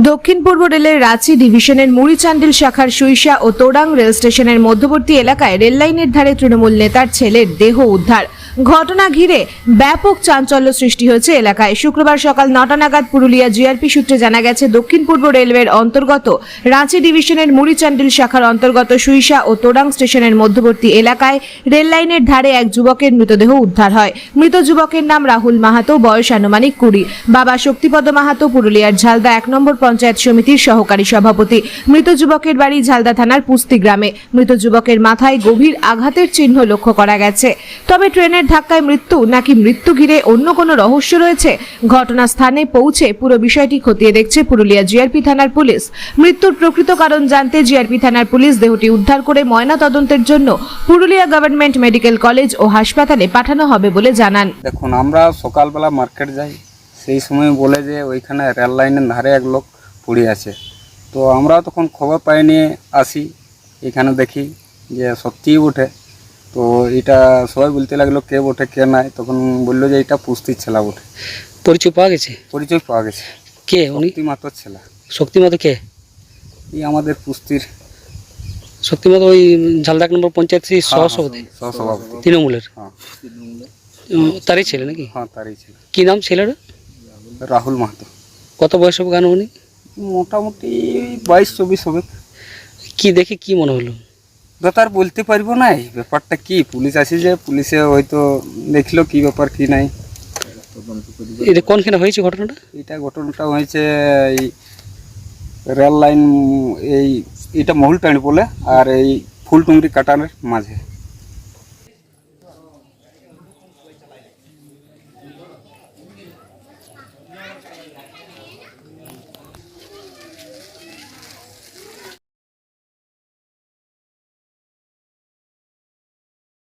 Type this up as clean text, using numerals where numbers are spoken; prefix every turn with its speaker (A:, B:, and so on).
A: দক্ষিণ পূর্ব রেলের রাঁচি ডিভিশনের মুড়িচান্ডিল শাখার সুইসা ও তোড়াং রেল স্টেশনের মধ্যবর্তী এলাকায় রেললাইনের ধারে তৃণমূল নেতার ছেলের দেহ উদ্ধার। ঘটনা ঘিরে ব্যাপক চাঞ্চল্য সৃষ্টি হয়েছে এলাকায়। শুক্রবার সকাল 9টা নাগাদ পুরুলিয়া জিআরপি সূত্রে জানা গেছে, দক্ষিণ পূর্ব রেলওয়ের অন্তর্গত রাঁচি ডিভিশনের মুড়িচান্ডিল শাখার অন্তর্গত সুইসা ও তোড়াং স্টেশনের মধ্যবর্তী এলাকায় রেললাইনের ধারে এক যুবকের মৃতদেহ উদ্ধার হয়। মৃত যুবকের নাম রাহুল মাহাতো, বয়স আনুমানিক 20। বাবা শক্তিপদ মাহাতো পুরুলিয়ার ঝালদা 1 নম্বর পঞ্চায়েত সমিতির সহকারী সভাপতি। মৃত যুবকের বাড়ি ঝালদা থানার পুস্তি গ্রামে। মৃত যুবকের মাথায় গভীর আঘাতের চিহ্ন লক্ষ্য করা গেছে। তবে ট্রেনের ধাক্কায় মৃত্যু নাকি মৃত্যু ঘিরে অন্য কোনো রহস্য রয়েছে? ঘটনাস্থানে পৌঁছে পুরো বিষয়টি খতিয়ে দেখছে পুরুলিয়া জিআরপি থানার পুলিশ। মৃত্যুর প্রকৃত কারণ জানতে জিআরপি থানার পুলিশ দেহটি উদ্ধার করে ময়না তদন্তের জন্য পুরুলিয়া গভর্নমেন্ট মেডিকেল কলেজ ও হাসপাতালে পাঠানো হবে বলে জানান।
B: দেখুন, আমরা সকালবেলা মার্কেট যাই, সেই সময় বলে যে ওইখানে রেল লাইনের ধারে এক লোক পড়ে আছে। তো আমরা তখন খবর পাই নিয়ে আসি, এখানে দেখি যে সত্যিই ওঠে। তো এটা সবাই বলতে লাগলো কে ওঠে কে নাই, তখন বললো যে এটা পুস্তির ছেলা ওঠে।
C: পরিচয় পাওয়া গেছে?
B: পরিচয় পাওয়া গেছে।
C: কে উনি?
B: শক্তিমাতো ছেলা।
C: শক্তিমত কে?
B: এই আমাদের পুস্তির
C: শক্তিমত ওই ঝালদা 1 নম্বর পঞ্চায়েত সহসভাপতি,
B: সহসভাপতি
C: তৃণমূলের।
B: হ্যাঁ
C: তারই ছেলে নাকি?
B: হ্যাঁ, তারই ছেলে।
C: কি নাম ছেলের?
B: রাহুল মাহাতো।
C: কত বয়স হবে গান উনি?
B: মোটামুটি 22-24 হবে।
C: কি দেখে কি মনে হলো?
B: ব্যাপার বলতে পারবো না, এই ব্যাপারটা কি, পুলিশ আসি যে পুলিশে হয়তো দেখলো কি ব্যাপার কি নাই।
C: এটা কোনখানে হয়েছে ঘটনাটা?
B: ঘটনাটা হয়েছে এই রেল লাইন, এটা মহুলটাঁড়ি বলে, আর এই ফুলটুংরি কাটানের মাঝে।